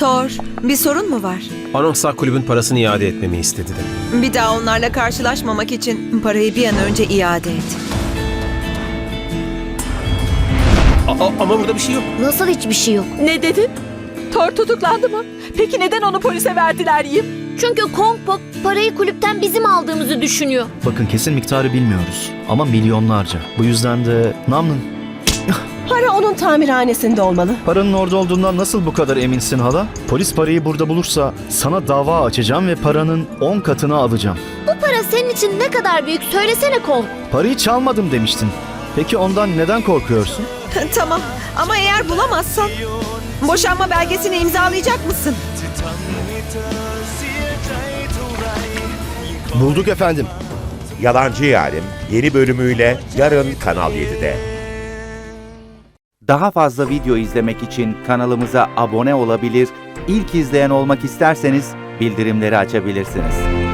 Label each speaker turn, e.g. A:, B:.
A: Thor, bir sorun mu var?
B: Anonsak kulübün parasını iade etmemi istedi de.
A: Bir daha onlarla karşılaşmamak için parayı bir an önce iade et.
B: Ama burada bir şey yok.
C: Nasıl hiçbir şey yok?
D: Ne dedin? Thor tutuklandı mı? Peki neden onu polise verdiler Yim?
C: Çünkü Kong Pop parayı kulüpten bizim aldığımızı düşünüyor.
E: Bakın kesin miktarı bilmiyoruz ama milyonlarca. Bu yüzden de Namlın.
F: Para onun tamirhanesinde olmalı.
E: Paranın orada olduğundan nasıl bu kadar eminsin hala? Polis parayı burada bulursa sana dava açacağım ve paranın 10 katını alacağım.
C: Bu para senin için ne kadar büyük söylesene Kong.
E: Parayı çalmadım demiştin. Peki ondan neden korkuyorsun?
A: Tamam ama eğer bulamazsan boşanma belgesini imzalayacak mısın?
G: Bulduk efendim. Yalancı Yarim yeni bölümüyle yarın Kanal 7'de.
H: Daha fazla video izlemek için kanalımıza abone olabilir, ilk izleyen olmak isterseniz bildirimleri açabilirsiniz.